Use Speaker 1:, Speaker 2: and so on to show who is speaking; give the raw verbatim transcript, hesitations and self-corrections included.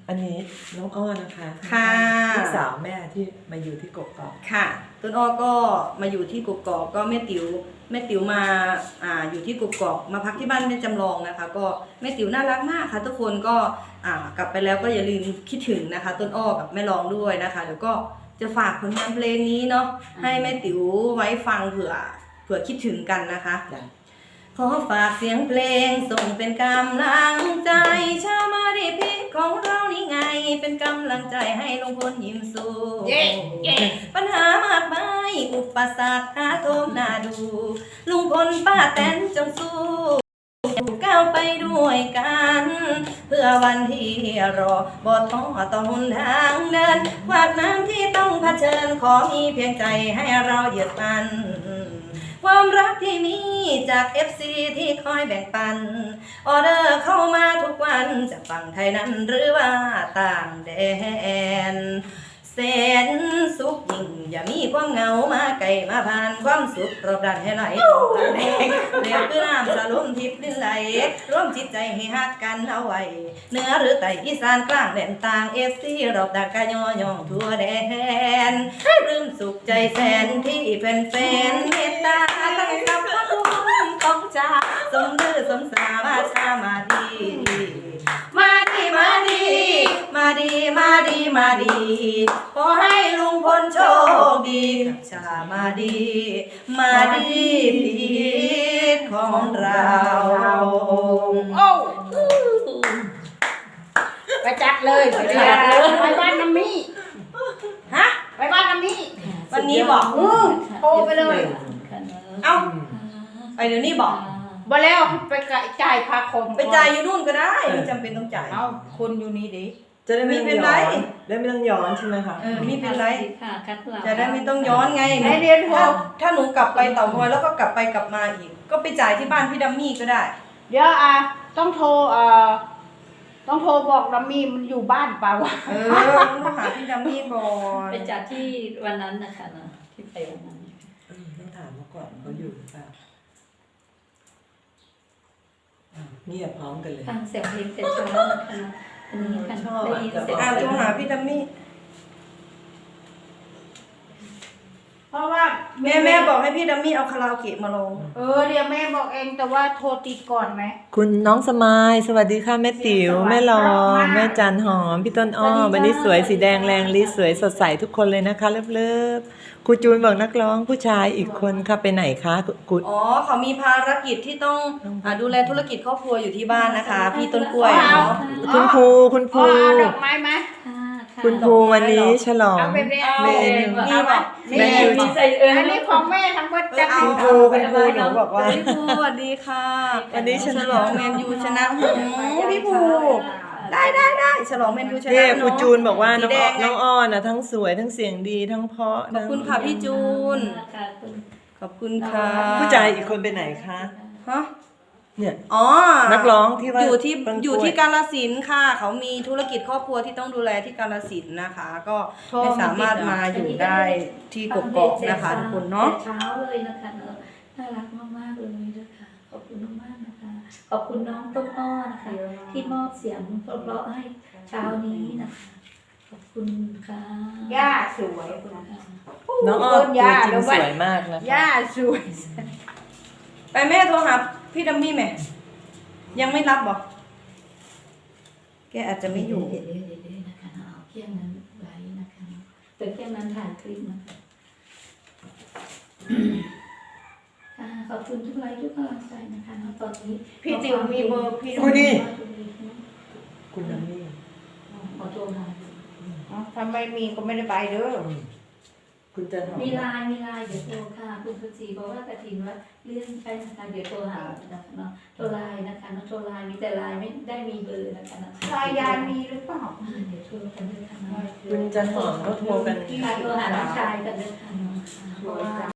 Speaker 1: อันนี้น้องอ้อนะคะ
Speaker 2: ค่ะ
Speaker 1: ลูกสาวแม่ที่มาอยู่ที่กกอก
Speaker 2: ค่ะต้นอ้อก็มาอยู่ที่กกอกก็แม่ติ๋วแม่ติ๋วมาอ่าอยู่ที่กกอกมาพักที่บ้านแม่จำลองนะคะก็แม่ติ๋วน่ารักมากค่ะทุกคนก็อ่ากลับไปแล้วก็อย่าลืมคิดถึงนะคะต้นอ้อกับแม่รองด้วยนะคะเดี๋ยวก็จะฝากผลงานเพลงนี้เนาะให้แม่ติ๋วไว้ฟังเผื่อเผื่อคิดถึงกันนะคะขอฝากเสียงเพลงส่งเป็นกำลังใจชาวมาดิพิของเรานี่ไงเป็นกำลังใจให้ลุงพลยิ้มสู้
Speaker 3: yeah, yeah.
Speaker 2: ปัญหามากมายอุปสรรคท้าโทมน่าดูลุงพลป้าแตนจงสู้ก้าวไปด้วยกันเพื่อวันที่รอบอท้อต้องหนทางเดินขวากน้ำที่ต้องเผชิญขอมีเพียงใจให้เราเหยียดมันความรักที่มีจาก เอฟ ซี ที่คอยแบ่งปันออเดอร์เข้ามาทุกวันจากฝั่งไทยนั้นหรือว่าต่างแดนแสนสุขยิ่งอย่ามีความเหงามาไกลมาผ่านความสุขรอบด้านให้ไหลแดงเรียกคือน้ำสะลุ่มทิพย์ลิ้นไหลร่วมจิตใจให้ฮักกันเอาไว้เหนือหรือใต้อีสานกลางแดนต่างเอฟซีรอบด้านกายย่องทั่วแดนรื่มสุขใจแสนที่เป็นแฟนเมตตาตั้งกับพระคุณของจ้าสมดื้อสมสามาชามาดีมาดีมาดีมาดีมาดีมาดีขอให้ลุงพลโชคดีกับชามาดีมาดีพีของเรา
Speaker 3: โอ้ไปจัดเลยไปจัดเลยไปบ้านน้ำมี่
Speaker 2: ฮะ
Speaker 3: ไปบ้านน้ำมี่
Speaker 2: วันนี้บอก
Speaker 3: อือโทรไปเลย
Speaker 2: เอ้าไปเดี๋ยวนี้บอก
Speaker 3: บ่แล้วไปจ่ายค่าคม
Speaker 2: ไปจ่ายอยู่นู่นก็ได้ไม่จำเป็นต้องจ่าย
Speaker 3: เอ้าคนอยู่นี่ดิ
Speaker 1: จะได้ไม่ต้องย้อนได้ไม่ต้องย้อนใช่ไหมคะ
Speaker 2: เออไม่เป็นไรจะ
Speaker 4: ได้
Speaker 2: ไม่ต้องย้อนไง
Speaker 3: ให้เรียนโทร
Speaker 2: ถ้าหนูกลับไปเต่างอยแล้วก็กลับไปกลับมาอีกก็ไปจ่ายที่บ้านพี่ดัมมี่ก็ได้
Speaker 3: เดี๋ยวอ่ะต้องโทรเอ่อต้องโทรบอกดัมมี่มันอยู่บ้านเปล่าวะ
Speaker 2: เออต้องหาพี่ดัมมี่ก่อน
Speaker 4: ไปจัดที่วันนั้นนะคะนะที่ไปวันนั้น
Speaker 1: ต้องถามมาก่อนเขาอยู่หรือเปล่าเงียบพร้อมกันเลย
Speaker 4: ฟังเสียงเพลงแต่เช้านะคะอันนี้ค่ะได้ยินเสียง
Speaker 2: อ่าโทรหาพี่ดัมมี่
Speaker 3: เพราะว่า
Speaker 2: แม่แม่บอกให้พี่ดัมมี่เอาคาราโอเกะมาลง
Speaker 3: เออเดี๋ยวแม่บอกเองแต่ว่าโทรติดก่อนไหม
Speaker 1: คุณน้องสมายสวัสดีค่ะแม่ติ๋วแม่รองแม่จันหอมพี่ต้นอ้อวันนี้สวยสีแดงแรงลิสวยสดใสทุกคนเลยนะคะเลิฟๆครูจูนบอกนักร้องผู้ชายอีกคนค่ะไปไหนคะคุณ
Speaker 2: อ๋อเขามีภารกิจที่ต้องอ่าดูแลธุรกิจครอบครัวอยู่ที่บ้านนะคะพี่ต้นกล้วยเนาะ
Speaker 1: คุณครูคุณครู
Speaker 3: เอาดอกไม้ไหม
Speaker 1: คุณครูวันนี้ฉลอง
Speaker 3: เ
Speaker 1: ม
Speaker 2: นี่บอก
Speaker 3: แม่อยู่ใส่เอออันนี้ของแม่ทั้งหมดจะ
Speaker 1: คุณครูคุณครูหนูบอกว่า
Speaker 2: พี่ภูสวัสดีค่ะวันนี้ฉลองแมนยูชนะหูพี่ภูได้ได้ได้ฉลองแมนยูชนะ
Speaker 1: เนี่ยครูจูนบอกว่าน้องน้องอ้อนนะทั้งสวยทั้งเสียงดีทั้งเพราะ
Speaker 2: ขอบคุณค่ะพี่จูนขอบคุณค่ะ
Speaker 1: ผู้ชายอีกคนไปไหนคะ
Speaker 2: ฮะ
Speaker 1: เนี่ย
Speaker 2: อ๋อ
Speaker 1: นักร้องที่ว่า
Speaker 2: อยู่ที่อยู่ที่กาฬสินธุ์ค่ะเขามีธุรกิจครอบครัวที่ต้องดูแลที่กาฬสินธุ์นะคะก็ไม่สามารถมาอยู่ได้ที่กกอกนะคะทุกคนเนาะ
Speaker 4: เช้าเลยนะคะเนอะน่ารักมากๆเลยนะคะขอบคุณมากๆนะคะขอบคุณน้องต้นอ้อนะคะที่มอบเสียงเพราะๆให้เช้านี้นะคะขอบคุณค่ะ
Speaker 3: ย่าสวย
Speaker 1: น้องอ้อตัวจริงสวยมากนะ
Speaker 3: ย่าสวย
Speaker 2: ไปแม่โทรหาพี่ดัมมี่แม่ยังไม่รับบอกแกอาจจะไม่อยู่
Speaker 4: เดี๋ยวเดี๋ยวเดี๋ยวนะคะเอาเครื่องนั้นไว้นะคะเป็นเครื่องนั้นถ่ายคลิปนะคะขอบคุณทุกไลค์ทุกกำลังใจนะคะตอนนี้
Speaker 3: พี่ติ๋วมีเบอร์พี่
Speaker 1: คุณนี่คุณดัมมี่
Speaker 4: ขอโทรหา
Speaker 3: ทำไมมีก็ไม่ได้ไปเด้อ
Speaker 1: คุณจันหอม
Speaker 4: มีไลน์มีไลน์เดี๋ยวโทรค่ะคุณสุจีบอกว่ากระถิ่นว่าเลื่อนไปนะคะเดี๋ยวโทรหานะคะเนาะโทรไลน์นะคะน้องโทรไลน์มีแต่ไลน์ไม่ได้มีเบอร์นะคะ
Speaker 3: ไลน์ยานมีหรือเปล่า
Speaker 4: เดี๋ยวโทรกันด้วยค่ะ
Speaker 1: คุณจันหอมเขาโทรกัน
Speaker 4: โทรหาน้องชายกันด้วยค่ะ